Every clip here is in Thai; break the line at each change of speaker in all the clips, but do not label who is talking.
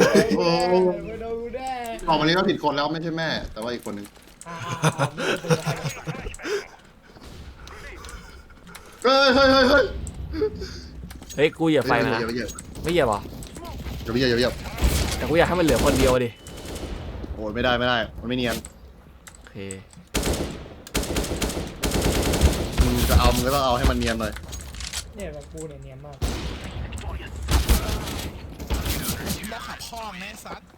โอ้
ไม่โดนกูแน่
ออกมานี้ก็ผิดคนแล้วไม่ใช่แม่ แต่ว่าอีกคนนึงเฮ้ยเฮ้ยเฮ้ยเฮ้ย
เฮ้ยกูเหยียบไฟมานะ
อย่าไปเหยียบ
ไม่เหยียบหรอ
อย่าไปเหยียบอย่าไปเหยียบ
แต่กูอยากให้มันเหลือคนเดียวดิ
โอ้ยไม่ได้ไม่ได้มันไม่เนียน
โอเค
มึงจะเอามึงก็ต้องเอาให้มันเนียนหน่อย
เนี่ยแบบกูเนี่ยเนียนมาก
มาขับพ่อแม่ซัด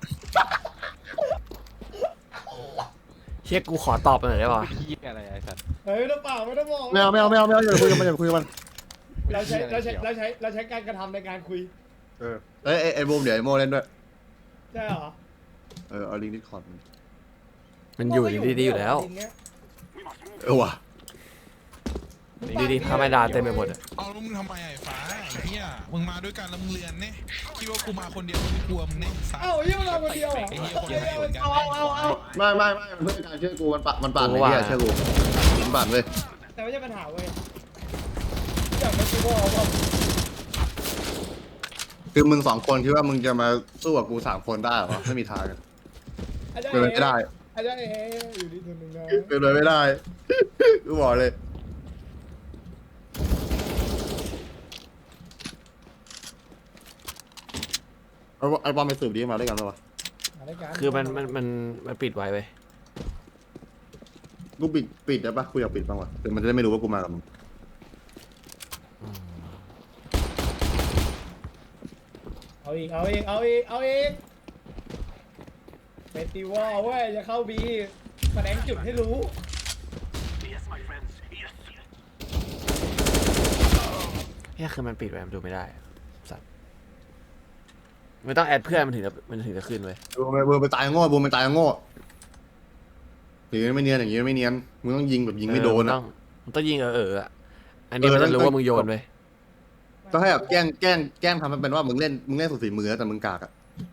เช็คกูขอตอบหน่อยได้ป่ะ
พี่อะไรไอ้สัตว์
เฮ้ยไม่ต้องเปล่าไม่ต้องบอก
ไม่เอาไม่เอาไม่เอาไม่เอาอย่าคุยกับมันอย่าคุยกับมัน
เราใช้การกระทำในการคุย
เอ้ยไอ้บูมเดี๋ยวไอ้โมเล่นด้วย
ใช่เหรอ
เอาลิงก์ดิสคอร์ด
มันอยู่ดีๆอยู่แล้ว
ว่ะ
ดีๆพาไม่ดาเต็มไปหมดอะ
เอาแล้วมึงทำไมไอ้ฟ้าไอ้เหี้ยมึงมาด้วยกันแล้วมึงเรียนเนี่ยคิดว่ากูมาคนเดียวมึงไม่กลัวมึงเนี่ยซัด
เอ้ายี่มันเราคนเดียวเหรอ
ไอ้เหี้ยคนไทยเหมือนกัน
เอา
ไม่มันเพื่อนการเชื่อกูมันปั่นไอ้เนี่ยเชื่อกูมันปั่นเลย
แต่ไม่ใช่ปัญหาเว้ยอยากมาคิดว่าว่า
คือมึง2 คนคิดว่ามึงจะมาสู้กับกู3 คนได้เหรอไม่มีทางเป็นไปไม่ได้
อาจารย์อยู่ดีตัวหนึ่งนะ
เป็นไปไม่ได้กูบอกเลยไอ้บอลไปสืบดีมาด้วยกันปะวะ
คือมันปิดไว้เว้ย
กูปิดได้ปะกูอยากปิดบ้างวะแต่มันจะได้ไม่รู้ว่ากูมากับมึง
เอาอีกเฟสติวัลเว้ยจะเข้าบีแสดงจุดให้รู้
เนี่ยคือมันปิดไว้มันดูไม่ได้สัตว์ไม่ต้องแอดเพื่อนมันถึงจะขึ้นเว้ย
บูมไปตายโง่บูมไปตายโง่หรือไม่เนียนอย่างงี้ไม่เนียนมึงต้องยิงแบบยิงไม่โดนอ่ะ
มันต้องยิงอะอันนี้มันจะรู้ว่ามึงโยนเว้ย
ต้องให้แบบแกล้งทำมันเป็นว่ามึงเล่นสุดฝีมือแต่มึงกากอ่ะ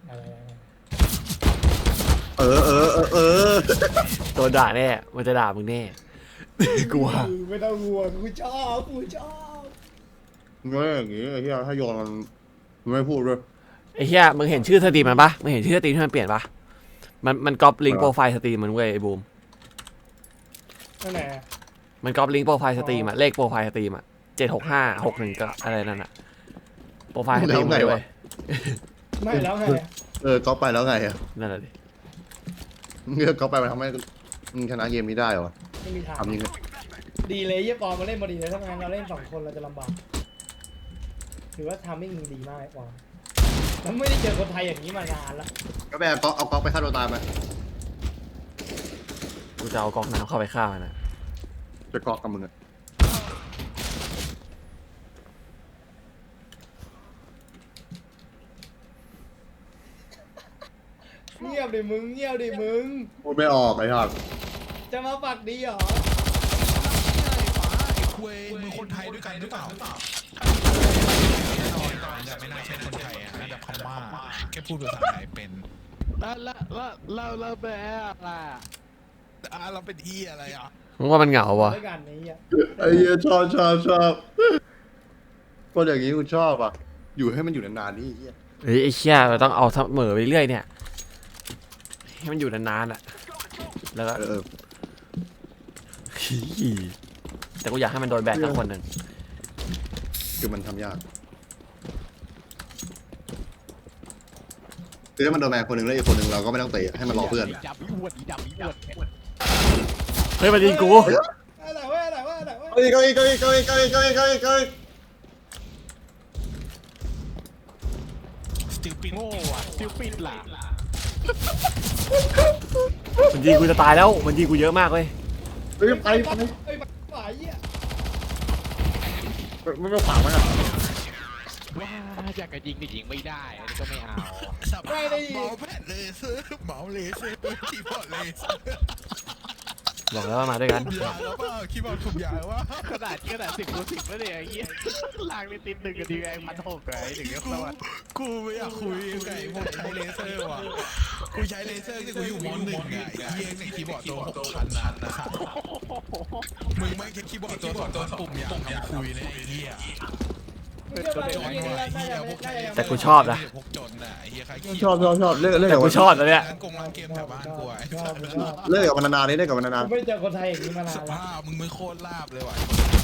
ตัวด่าแน่มันจะด่ามึงแน่กลัว
ไม่ต้องห่วงกูชอบ
เงี้ยอย่างงี้ไอ้ที่ถ้าโยนมันไม่พูดด้วย
ไอ้เหี้ยมึงเห็นชื่อสตรีมมันปะมึงเห็นชื่อสตรีมที่มันเปลี่ยนปะมันก๊อปลิงก์โปรไฟล์สตรีมมันเว้ยไอ้บูม
นั่นแหละ
มันก๊อปลิงก์โปรไฟล์สตรีมอะเลขโปรไฟล์สตรีมอะ76561ก็อะไรนั่นอะโปรไฟล์สตรีมเลยเว้ย
ไม่แล้วไง
ก๊อปไปแล้วไงอ่ะ
นั่นแหละดิ
เงี้ยก๊อปไปมันทำให้มึงชนะเกมนี้ได้เหรอ
ไม่มีทาง
ทำยังไง
ดีเลยยี่ปอมาเล่นพอดีเลยถ้างั้นเราเล่น2 คนเราจะลำบากถือว่าทำไม่ดีมากกว่าแล้วไม่ได้เจอคนไทยอย่างนี้มานานละ
ก็แบบเอาก๊อปไปฆ่าตัวตายไหม
กูจะเอาก๊อกน้ำเข้าไปฆ่ามันนะ
จะก๊อปกับมึงอ่ะ
เงียบดิมึง
พูดไม่ออกไอ้ห่า
จะมาปักดีเหรอ
ไอ้คุยมึงคนไทยด้วยกันหรือเปล่าแน่นอนแต่ไม่น่าใช่คนไทยอ่ะน่าจะพม่าแค่พูดภาษาไทยเป็น
แล้วแบบล่ะ
เราเป็นอีอะไรอ่ะ
มึงว่ามันเหงาวะ
ด้วยกันนี้อ่ะ
ไอ้เหี้ยชอบคนอย่างนี้กูชอบอ่ะอยู่ให้มันอยู่นานๆนี่เหี้ย
เฮ้ยไอ้เชี่ยเราต้องเอาเสมอไปเรื่อยเนี่ยให้มันอยู่นานๆอะแล้วก็แต่กูอยากให้มันโดนแบนสักคนหนึ่ง
คือมันทำยากคือถ้ามันโดนแบนคนหนึ่งแล้วอีกคนหนึ่งเราก็ไม่ต้องเตะให้มันรอเพื่อน
ดำอวด
เฮ้ยมันยิงกู
อะไรวะ
เฮ้ยก็
สติลปิน
โง่อะซิลปิดล่ะ
มันยิงกูจะตายแล้วมันยิงกูเยอะมากเว้ย
เฮ้ยไป
ฝ่ายอ่ะ
ไม่ขวางมันอ่ะ
ว้าอยากจะยิงแต่ยิงไม่ได้อันนี้ก็ไม่เอา
เมาแผ่นเลเซอร์เมาเลเซอร์คีย์บอร์ดเลเซอร์
บอกแล้วว่ามาด้วยกัน
ถูกยาแล้วว่าคีย์บอร์ดถูกยาว่า
ขนาด10 แล้วเนี่ยไอ้เหี้ยลางในติด1กับดีไอ้1,600ไอ้ถึงจะสวัสดิ์
กูไม่อยากคุยกับไอ้พวกใช้เลเซอร์ว่ะกูใช้เลเซอร์ที่กูอยู่ม.1ไงไอ้เหี้ยในคีย์บอร์ดตัว6,000นะครับมึงไม่คิดคีย์บอร์ดตัว2ปุ่มอย่างทำคุยเลยไอ้เหี้ย
ไม่เชื่อว่าเมื่อกี้นี่น่าจะยัง
แต่กูชอบนะ
พวกจนน่ะไอ้เหี้ยใครเขีย
ชอบเลิก
แต่
กับ
กู
มัน
ชอบแล้วเนี่ย
กงร้านเกมแถวบ้านกูไอ้
ชอบชอบ
เลิกกับมันนานๆนี่เลิกกับมันนาน
ไม่เจอคนไทยอย่างนี้มานาน
ส
แล้ว
ภาพมึงไม่โคตรลาบเลยว่ะ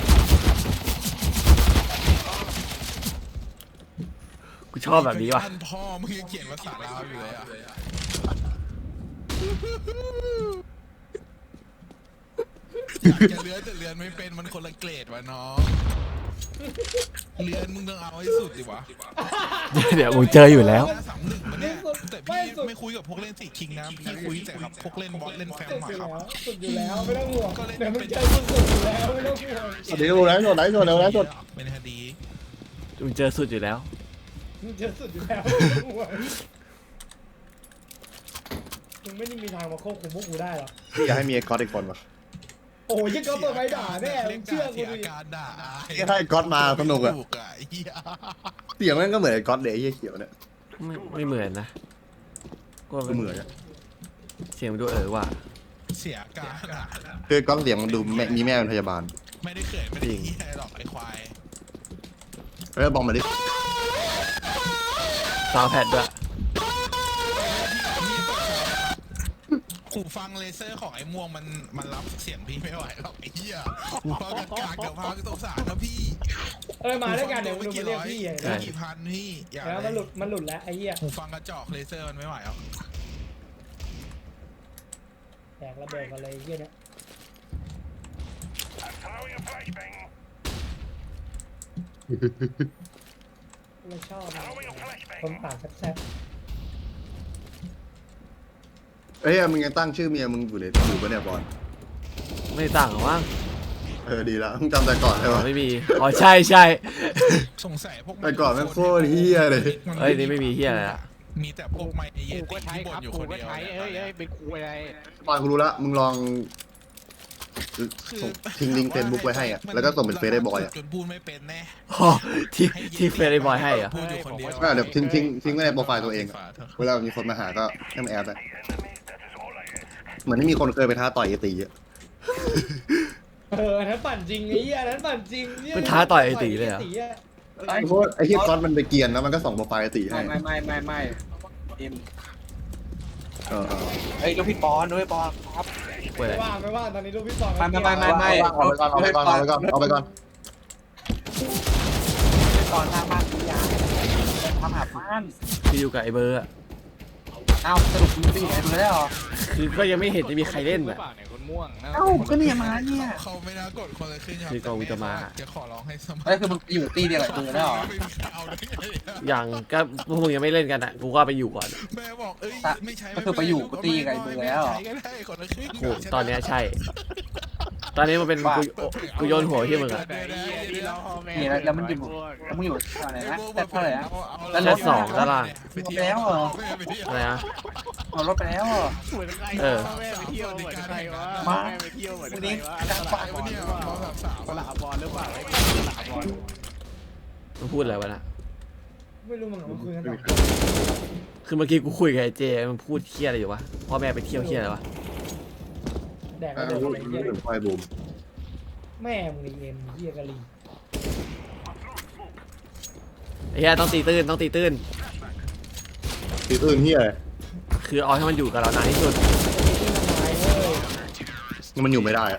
กูชอบแบบนี้ว่ะ
ท่านพ่อมึงยังเขียนภาษาลาวอยู่เลยอ่ะอยากจะเลื้อนแต่เลื้อนไม่เป็นมันคนละเกรดวะน้องเลื้อนมึงต้องเอาให้สุดดิวะ
เดี๋ยวมึงเจออยู่แล้ว
3-1มาเนี่ยแต่พี่ไม่คุยกับพวกเล่นสี่คิงนะพี่คุยแต่กับพวกเล่นบอสเล่นแฟม
สุด
มา
อยู่
ครับ
แล้วสุดอยู่แล้วไม่ต้องห่วงเดี๋ยวมึงเจอสุดอยู่แล้วไม่ต้องห่วง
ๆเดี๋ยวไลฟ์สดแล้วไลฟ์สด
เป็นคดี
มึงเจอสุดอยู่แล้ว
มึงเจอสุดอยู่แล้วไม่ต้องห่วงมึงไม่ได้มีทางมาควบคุมพวกกูได้หรอก
อยากให้มีไอ้ก๊อตอีกคนวะ
โอ้ยยังก็เปิดไม้ด่าแน่มึงเชื่อกู
เสีย
ดิ
การด่า
แค่ให้ก๊อตมาสนุกอะ
ไอ้เหี้ย
เสียงแม่งก็เหมือนไอ้ก๊อตเลยไอ้เหี้ยเขียวเนี่ย
ไม่เหมือนนะกูว่า
ก็เหมือนอะ
เสียงมันดูว่ะ
เสียการด่า
คือก๊อตเสียงมันดูมีแม่เป็นพยาบาล
ไม่ได้เขินไม่ได้เหี้ยหรอกไอ้ควาย
แล้วบอกมาดิ
ซาวด์แพดด้วย
หูฟังเลเซอร์ของไอ้ม่วงมันรับเสียงพี่ไม่ไหวหรอกไอ้เหี้ยหูฟังกากๆเดี๋ยวพาไปสงสารนะพี่
มาด้วยกันเดี๋ยวมึงดูมาเรียกพี่
ไม่กี่พันพี่อย่า
แล้วมันหลุดแล้วไอ้เหี้ย
หูฟังกระจอกเลเซอร์มันไม่ไหวหรอก
แตกระเบิดกันเลยไอ้เหี้ยเนี่ยไม่ชอบคนปากแซ่บ
เอ้ยมึงยังตั้งชื่อเมียมึงอยู่ปะเนี่ยบอล
ไม่ต่างหรอกมั้ง
ดีละมึงจำแต่ก่อนใช่ปะ
ไม่มีอ๋อใช่ใช่
สงสัยพวก
แต่ก่อนแม่งโคตรเหี้ยเลย
เอ้ยนี่ไม่มีเฮียอะไรละ
มีแต่พวกไมเย
กูก็
ติ
ใช้
ที่บ่
คน รับ
อยู่
กู
คน
ก็
เดียว
ใช้เอ้ยเป็นครูอะไร
บอลกูรู้ละมึงลองส่งทิ้งลิงก์เฟซบุ๊กไว้ให้อะแล้วก็ส่งเป็นเฟซได้บอยอะ
จนพูดไม่เป็นแน่
อ๋อที่เฟรนด์บอยให้เหรอ่ะ
พูดอยู่คนเดียว
ก็เดี๋ยวทิ้งไว้ในโปรไฟล์ตัวเองอะเวลามีคนมาหาก็ให้มันแอดไปเหมือนที่มีคนเคยไปท้าต่อยไอ้ตีอะ
อันนั้นปั่นจริงไอ้เหี้ยอันนั้นปั่นจริง
มันท้าต่อยไอ้ตีเลยเหรอ
เพราะว่าไอ้ที่ก๊อตมันไปเกียนแล้วมันก็ส่งโปรไฟล์ไอ้ตีให้
ไม่เอ็ม
เออ
เฮ้ยลูกพี่ปอนด้วยปอนครับ
เว้ย
ไม่ว่างตอนนี้ลูกพี่ปอน
ไม่
เอาไปก่อนเอาไปก่อน
ปอนทางบ้านพี่ยาทำหาบ้าน
ที่อยู่กับไอ้เบอร์อะ
เอ้าสรุปมึงไปอยู่ไหนมึงได้หรอ
คือก็ยังไม่เห็นจะมีใครเล่น
หรือ
อ่ะ
เปล่าเนี่ยคนม่วงนะ
เอ้าก็เนี่ยมาเนี่ย
เขาไม่น่ากดคนละครึ่งครับ
คือกองวิตามา
จะขอร้องให้สมัคร
เฮ้ยคือมึงอยู่ตีเดียวกับมึงได้หรอ
ไม่มีใครเอาได้ไงอะ
อย่างก็พวกมึงยังไม่เล่นกันอ่ะกูก็ไปอยู่ก่อน
แม่บอกเอ้ยไม่ใช้
ก็คือไปอยู่กูตีกับไอ้เบอร์แล้ว
ใช้ก็ได้คนละครึ่ง
กูตอนเนี้ยใช่ ตอนนี้มันเป็นกูโยนหัวที่มึงอ่ะ
นี่แล้วมันอยู่แล้วมึงอยู่อะไรนะแต่เท่าไหร่นะ
แล้วรถสองแล้วล่ะ
ไปเที่ยว
แล้วเหรอ
อะไรนะ
เอารถไปแล้วเหรอ
เหมือนใคร
เออ
แม่ไปเที่ยวเหมือนใครวะ
มา
แม่ไปเที่ยวเหมือน
วัน
ใคร
นี้
วะ
ดัง
ส
ปา
ลาก บอลหรือเปล่าสลาบอลหรือเปล่าไอ้สลาบอล
มันพูดอะไรวะนะ
ไม่รู้มึงมาคุยกันต่อ
คือเมื่อกี้กูคุยกับไอ้เจมันพูดเครียดอะไรอยู่วะพ่อแม่ไปเที่ยวเครียดอะไรวะ
แดกระเบิดอะไรเงี้ย
ไฟบูม
แม่มึงเอ็มเหี้ยกะลี
ไอ้เหี้ยต้องตีตื้นต้องตีตื้น
ตีอื่นเฮียอะไร
คือเอาให้มันอยู่กับเรานานที่สุด
ที่มันตายเว้ย
มันอยู่ไม่ได้อะ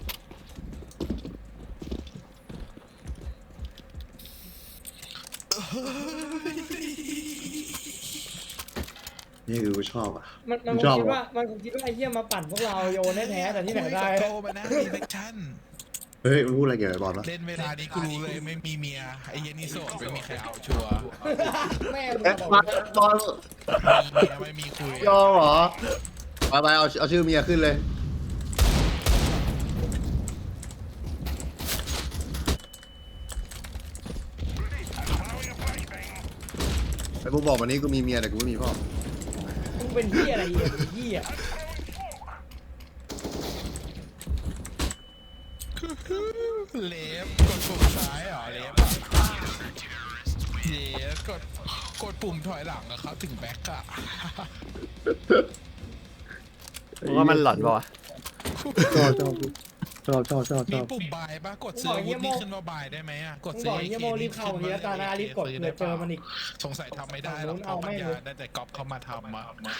นี่คือกูชอบอ่ะ
มันคงคิดว่าไอ้เหี้ยมาปั่นพวกเราโยนแท้ๆแต่ที่ไหนได้
โตมานะรีเฟคชั่น
เฮ้ยมันพูดอะไรเกี่ยวกับบอลวะ
เล่นเวลานี้กูรู้เลยไม่มีเมียไอ้เหี้ยนี่โสดไม่มีใครเอาชัวร์
แม่มึง
เอ๊ะ
บอก
บอล
มีเมียไม่มีคุย
ยอมเหรอไปเอาชื่อเมียขึ้นเลยไอ้พวกบอกวันนี้กูมีเมียแต่กูไม่มีพ่อ
มึงเป็นเหี้ยอะไรเอ็มเหี้ย
เล็บกดปุ่มซ้ายเหรอเล็บอะเล็บกดปุ่มถอยหลังอะครับถึงแบ็คอะ
มึงว่ามันหลอนปะวะ
ชอบชอบ
มีปุ่มบายปะกดซื้ออาวุธนี่ขึ้นว่าบายได้ไหมอ่ะกด
มึง
ซื้
บ
อ
อกเฮียโมรีบเข้าทีละตานะรีบกดเผื่อเจอมันอีก
สงสัยทำไม่ได้หรอกเพราะปัญญาได้แต่ก๊อปเข้ามาทำมา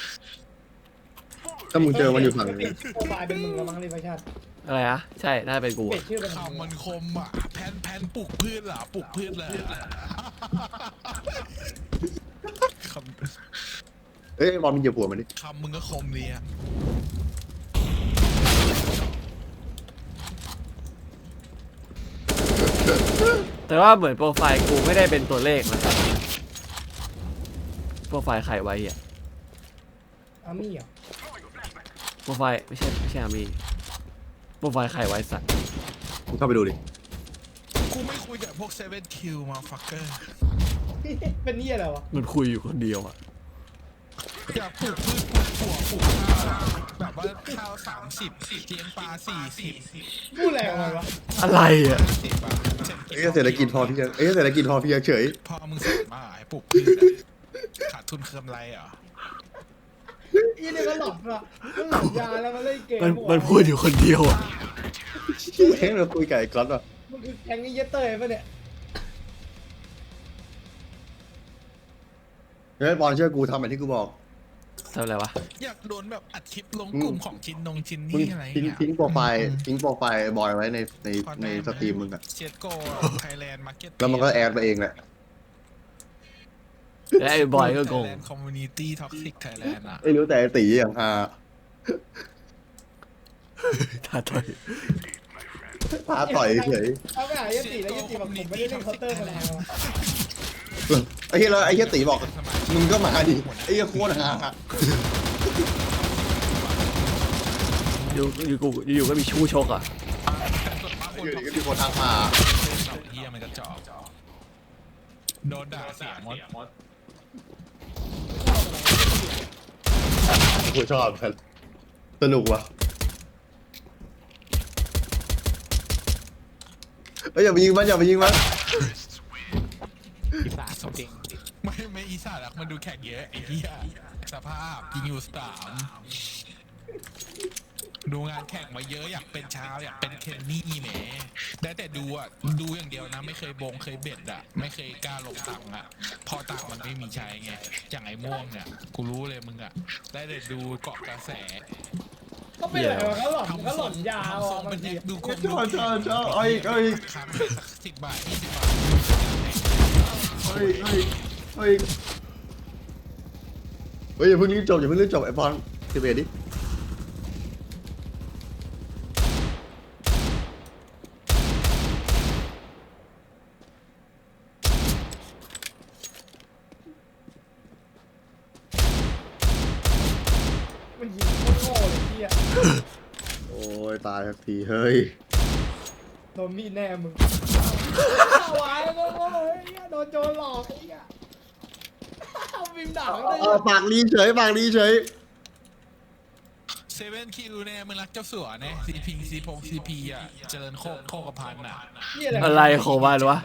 ถ้ามึงเจอมันอยู่ฝั่งนี้
โปรไฟล์เป็นมึงแล้วมั้งรีบชาติ
อะไรอะใช่น่าจะเป็นกู
เปลี่ย
อะ
นชื่อเป็น
คำมันคมอ่ะแพนปลูกพืชเหรอปลูกพืชเลยค
เอ้ยบอลมึงเหยียบหัวมันดิ
ำคำมึงก็คมดีอ่ะ
แต่ว่าเหมือนโปรไฟล์กูไม่ได้เป็นตัวเลขนะโปรไฟล์ใครไว้อะ
อามี่เหรอ
โปรไฟล์ไม่ใช่อามีโปรไฟล์ใครไว้สัตว์
มึงเข้าไปดูดิ
กูไม่คุยกับพวก7 คิวมาฟักเกอร์
เป็นนี่อะไรวะ
มันคุยอยู่คนเดียวอะ
อยากปลูกพืชปลูกถั่วปลูกข้าวแบบว่าข้าว30เลี้ยงปลา40
พูดอะไรออกมาวะ
อะไรอะ
50 บาท
เอ้ยเศรษฐกิจพอเพียงเศรษฐกิจพอเพียงเฉย
พอมึงสั่งมาให้ปลูกพืชอะขาดทุนเคิมไรเหรอ
อีนี่ก็หลอนว่ะมันหลอนยาแล้วมันเล่นเกม
มันพูดอยู่คนเดียวอะ
เฮ้ยเราคุยกับไอ้ก๊อตว่ะ
มันคือแก๊งนี้เยเตอร์ปะเนี่ย
เฮ้ยบอลเชื่อกูทำแบบที่กูบอก
ทำอะไรวะ
อยากโดนแบบอัดคลิปลงกลุ่มของชิ้นชิ้น
มึง
นี่อะไร
ทิ้งโปรไฟล์บอยไว้ในสตรีมมึงอะ
เชียโก้ไทยแลนด์มาร์เก็ต
แล้วมันก็แอดมาเองแหละ
แล้วไอ้บอยก็โกง
คอมมูนิตี้ท็อกซิกไทยแลนด์อ่ะ
ไม่รู้แต่ไอ้ตีอย่างฮา
ท้าต่อย
ท้าต่อยเฉย
เอาไปหายติแล้วยติแบบผมไม่ได้เล่นเคาน์เตอร์มานานแล้ว
ไอ้เหี้ยแล้วไอ้เหี้ยตีบอกมึงก็มาดิไอ้เหี้ยโคตรฮา
อยู่ก็มีชู้ชกอ่ะ
อยู่ดีก็มีคนทักมา
เฮียมันกระจอกโดนด่าเสียงมด
กูชอบกันสนุกว่ะเอ้ยอย่าไปยิงมัน
อีสานจริง
ไม่อีสานหรอกมันดูแข่งเยอะไอ้เหี้ยสภาพยิงอยู่3ดูงานแข่งมาเยอะอยากเป็นเช้าอยากเป็นเคนนี่แหมได้แต่ดูอ่ะดูอย่างเดียวนะไม่เคยบงเคยเบ็ดอ่ะไม่เคยกล้าลงตังค์อ่ะพอตังค์มันไม่มีใช้ไงอย่างไอ้ม่วงเนี่ยกูรู้เลยมึงอ่ะได้แต่ดูเกาะกระแส
ก็เป็นอะไรวะก็หลอนยา
ทำทรง
บา
เป็
ง
น
ที
แอคดูคม
ชอบเอาอีก
ครั้ง10 บาท20 บาท
เฮ้ยอย่าเพิ่งรีบจบไอ้บอล11ดิ
มันยิงโคตรโง่เลยพี่อะ
โอ้ยตายสักทีเฮ้ย
โดนมีดแน่มึงวายโง่ๆเฮ้ยโดนโจรหลอกไอ้เหี้ยเอาบิมด่าเลย
ปากดีเฉย
7 คิวเนี่ยมึงรักเจ้าสัวเนี่ยซีพีอ่ะเจริญโคกระพันอ่ะ
นี่อะไร
อะไรของมันวะ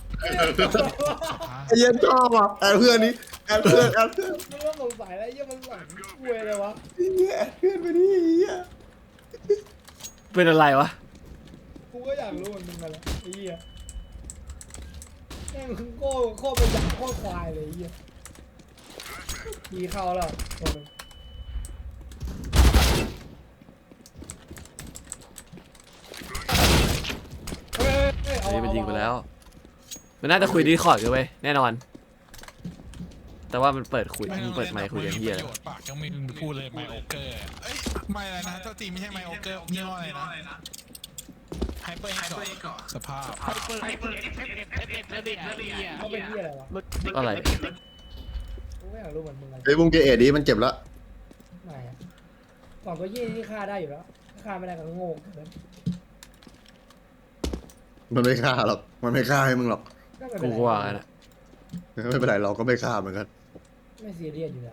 ไอ้เหี้ย็นชอบอ่ะแอดเพื่อนนี้แอดเพื่อน
มันก็สงสัยแล้วไอ้เหี้ยมันหลอนคุยเลยวะ
แอดเพื่อนไปดิไอ้เหี้ย
เป็นอะไรวะ
กูก็อยากรู้เหมือนมึงกันแหละไอ้เหี้ยแม่งโคตรเป็นอย่างโคตรควายเลยไอ้เหี้ยมีเข้าแล้วตัวนึงเฮ้ยเอา
นี่มันยิงไปแล้ว มันน่าจะคุยดีคอร์ดกันไปแน่นอน แต่ว่ามันเปิดไมค์คุยกันเฮีย
ประโยชน์ปากยังไม่พูดเลยไมโอเกอร์เอ้ยไม่อะไรนะเจ้าจีไม่ใช่ไมโอเกอร์ยี่ห้ออะไรนะไฮเปอร์ก่อนสภาพ
เปิดแล้วดิไอ้เหี้ย
เขาเป็นเหี้ยอะไรวะ
อะไร
กูก็อยากรู้เหมือนมึงกัน
ไอ้บุ้งเกเอ็ดดิมันเจ็บแล้ว
ไม่อะก่อนตัวยี่นี่ฆ่าได้อยู่แล้วถ้าฆ่าไม่ได้ก็โง่เกิน
มันไม่ฆ่าหรอกมันไม่ฆ่าให้มึงหรอก
ก็ไม่เป็
กู
นไร
ก็ว่างั้นอะ
ไม่เป็นไรเราก็ไม่ฆ่าเหมือนกัน
ไม่ซีเรียสอยู่แล้ว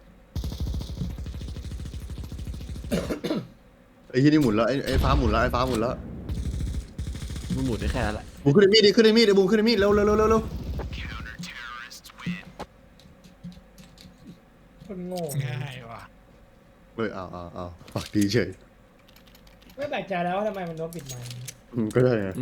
ไอ้ที่นี่หมุนแล้วไอ้ฟ้าหมุนแล้ว
มันหมุนได้แค่นั้นแหละ
บุ้งขึ้นในมีดดิไอ้บุ้งขึ้นในมีดเร็ว
คนโง่
ง่ายว่ะ
เฮ้ยเอาปากดีเฉย
ไม่แปลกใจแล้วว่าทำไมมันโดนปิดไมค์
ก็ได้นะ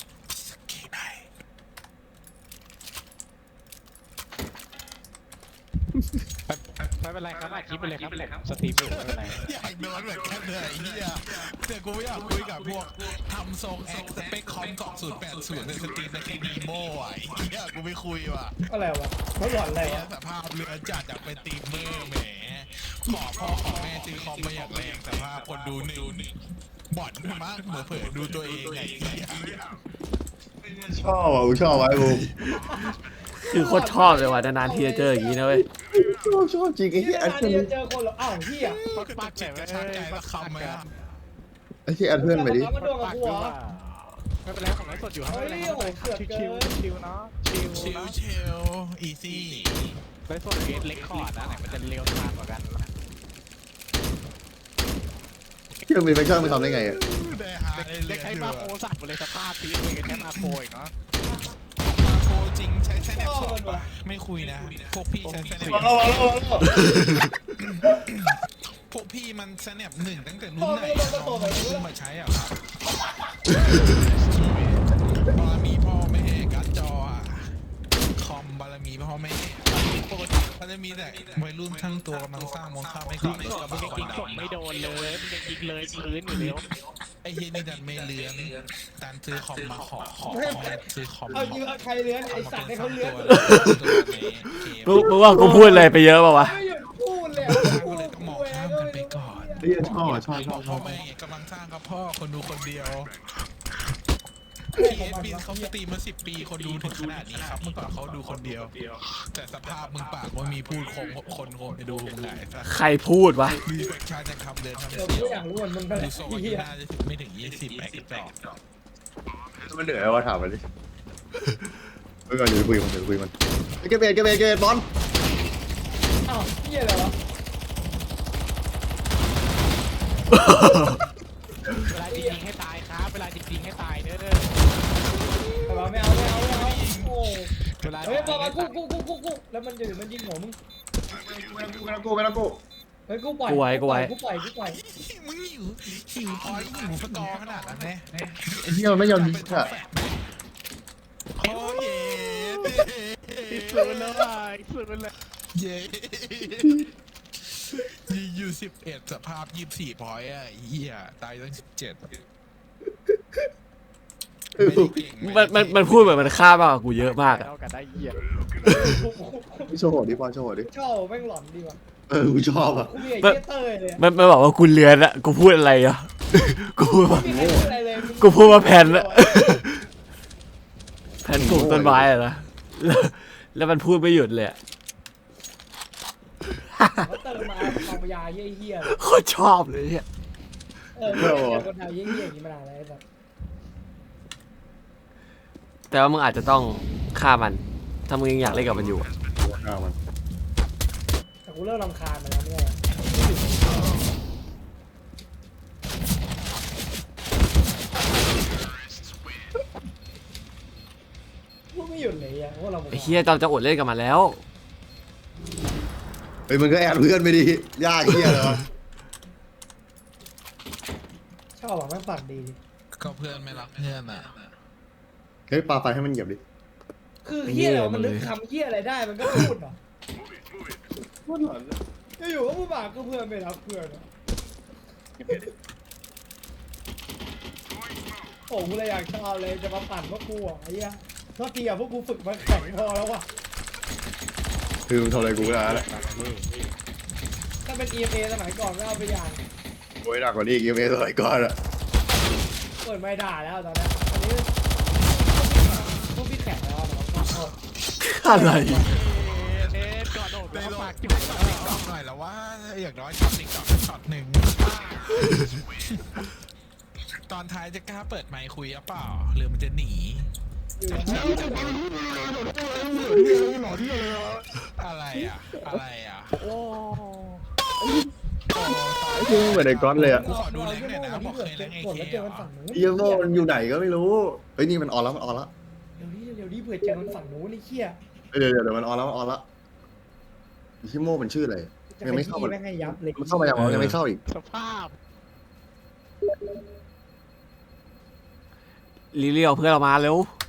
ไม่เป็นไรครับอัดคลิปไปเลยครับสตรีมอยู่ไม่เป็นไร
อยากโดนเหมือนกันเลยไอ้เหี้ยแต่กูไม่อยากคุยกับพวกทำทรงแอคสเปคคอมกล่อง080ในสตรีมในทีดีโม่อ่ะไอ้เหี้ยกูไม่คุยว่ะ
อะไรวะเขาหลอนอะไร
ไอ้เหี้ยว
ะ
สภาพเรือจัดจากเป็นตีมเมอร์แหมขอพ่อขอแม่ซื้อคอมมาอย่างแรงสภาพคนดูหนึ่งบ่อนมากเผื่อดูตัวเองไงไอ้เหี้ย
ชอบอ่ะกูชอบไว้บูม
คือโคตรชอบเลยว่ะนานๆทีจะเจออย่างนี้นะเว้ย
ชอบจริงไอ้
นี่
เหี้ยแอด
นาน
เพื่อน
ๆจะเจอคนเหรออ้าวเฮีย
ปัก
จิตกระชากใจละคำไหมอะ
ไอ้ที่แอดเพื่อนไปดิ
มันโดนกับกูเหรอ
ไม่เป็นไรผมไลฟ์สดอยู่ครับไม่เป็นไรครับชิวเนาะชิว
เชลอีซี่
ไลฟ์สดเกตเล็กคอร์ดนะไหนมันจะเร็วทางกว่ากัน
ที่มันมีแฟชั่นไปทำได้ไงอ่ะ
ได้หาได้
เล็กใช้มาโคสัตว์หมดเลยสภาพทีเลยกันแค่มาโคอีกเนาะ
มาโคจริงใช้แนบสดปะไม่คุยนะ พวกพี่ใช้แนบพวกพี่มันแนบหนึ่งตั้งแต่รุ่นไหนน้องมันเพิ่งมาใช้อ่ะครับบารมีพ่อแม่การ์ดจออ่ะคอมบารมีพ่อแม่ปกติเขาจะมีแต่วัยรุ่นทั้งตัวกำลังสร้างมองข้ามไม่ก่อนเลยก็
มึ
มาง ค
ยิ
น
ง
ด
ศพไม่โดนเลยมึงยิงเลยพื้นอยู่แล้ว
ไอ้เฮียนี่ดันไม่เลื้อนดันซื้อคอมมาขอซื้อคอม
เอายิงใครเลื้อนไอสัตว์ให้เขาเลื้อน
มึงว่ากูพูดอะไรไปเยอะป่าวะ
ไม่หยุดพูดเลย
ก็เลยต้องมองข้ามกันไปก่อน
ไอ้เหี้ยชอบอ่ะชอบ
พ่อแม่กำลังสร้างครับพ่อคนดูคนเดียวพีเอสบินเขาสตรีมมา10 ปีคนดูถึงขนาดนี้ครับเมื่อก่อนเขาดูคนเดียว แต่สภาพมึงปากว่ามีพูดคนไปดูมึงไหนซะ
ใครพูดวะ
มีแฟคชั่นจะทำเดินทำ
เดี๋ยว
เสี
กู
ยว
อยากรู้เหมือนมึงเท่าไห
ดู
ร่
โซ่
เฮีย
น่าจะไม่ถึง20ไปกันต่อ
มันเหนื่อยว่าถามมันดิเมื่อก่อนอยู่คุยมันเก็บเบสบอล
อ้าวเฮียอะไรวะ
เวลาจริงๆให้ตายครับเวลาจริงๆให้ตายเด้อ
แต่ว่าไม่เอาโอ้
เวลา
เฮ้ยบอกมากูแล้วมันจะมันยิงหัวมึง
ไม่ต้องกู
เฮ้ยกูปล่อย
มึงหิวพอยหิวสกอร์ขนาดนั้นแน่
ไอ้เหี้ยมันไม่ยอมยิงอ่ะ
โอ้ย
อีกสุดแล้วอ่ะอีกสุดแล้ว
เย้ยิงอยู่11สภาพ24พอยอ่ะเหี้ยตายตั้ง17
มันพูดเหมือนมันฆ่ามากกว่ากูเยอะมากอะ
เท่ากันได้เหี้ย
โชว์ดิบอลโชว์ดิ
ชอบแม่งหลอนดีว่ะ
กูชอบอ่ะ
กูมีไอ้เฮียเตยเลย
มันบอกว่ากูเลือนอะกูพูดอะไรอะกูพูดว่า
ไม่มีใครพูดอะไรเลย
กูพูดว่าแผ่นอะแผ่นปลูกต้นไม้อะนะแล้วมันพูดไม่หยุดเลยอะ
เขาเติมมาเอายาเฮีย
โคตรชอบเลยเนี่ย
ไม่ได้เจอคนไทยเฮียอย่างนี้มานานแล้วแบบ
แต่ว่ามึงอาจจะต้องฆ่ามันถ้ามึงยังอยากเล่นกับมันอยู่อะ
ฆ่ามัน
แต่กูเริ่มรำคาญมันแล้วเนี่ยพูดไม่หยุดเลยอ่ะว่าเรา
ไอ้เฮียจอมจะอดเล่นกับมันแล้ว
เฮ้ยมึงก็แอดเพื่อนไปดิยากเหี้ยเหรอ
ชอบหวังแม่งปากดี
ก็เพื่อนไม่รักเพื่อนอ่ะ
เฮ้ยปาไฟให้มันเหยียบดิ
คือเฮียอะไรมันนึกคำเฮียอะไรได้มันก็พูดเหรออยู่ก็พูดปากก็เพื่อนไม่รักเพื่อนโอ้กูเลยอยากชอบเลยจะมาปั่นพวกกูอ่ะไอ้เหี้ยโทษทีอ่ะพวกกูฝึกมาแข่งพอแล้วว่ะ
คือมึงทำอะไรกูก็ได้แล้ว
ถ้าเป็น EMA สมัยก่อนก็เอาไปอย่าง
โอ้ยหนักกว่านี้อีกยังไม่สมัยก่อนอ่ะ
เปิดไม่ด่าแล้วตอนนี้อันนี้พวกพี่แข่งแล้วนะครับ
อะไร
เน็ตก่อนโดด
ได้
แล้ว
ล
ปา
อก
ก
ติ๊กต็อกหน่อยแล้วว่าอย่างน้อยช็อตติ๊กต็อกช็อตหนึ่งตอนท้ายจะกล้าเปิดไมค์คุยหรือเปล่าหรือมันจะหนี
อยู่แล้ว
อะไรอ่ะอะไรอ่ะ
โอ้
ไอ้ที่เหมือนไอ้ก๊อตเลยอ่ะ
กูขอดูแรงหน่อยนะบอกเคยแรงไอ้
กด
เค
แล้วเจอมันฝั่งนู้น
เฮียโม่มันอยู่ไหนก็ไม่รู้เฮ้ยนี่มันออนแล้วมันออนแล้ว
เดี๋ยวนี้เผื่อเจอมันฝั่งนู้นไอ้เหี้ย
เดี๋ยวมันออนแล้วชิโม่มันชื่ออะไร
จะเป็นที่แม่งให้ยับเลย
มันเข้ามาอย่างไรยังไม่เข้าอีก
สภาพ
ลิลี่เอาเพื่อนเรามาเร็ว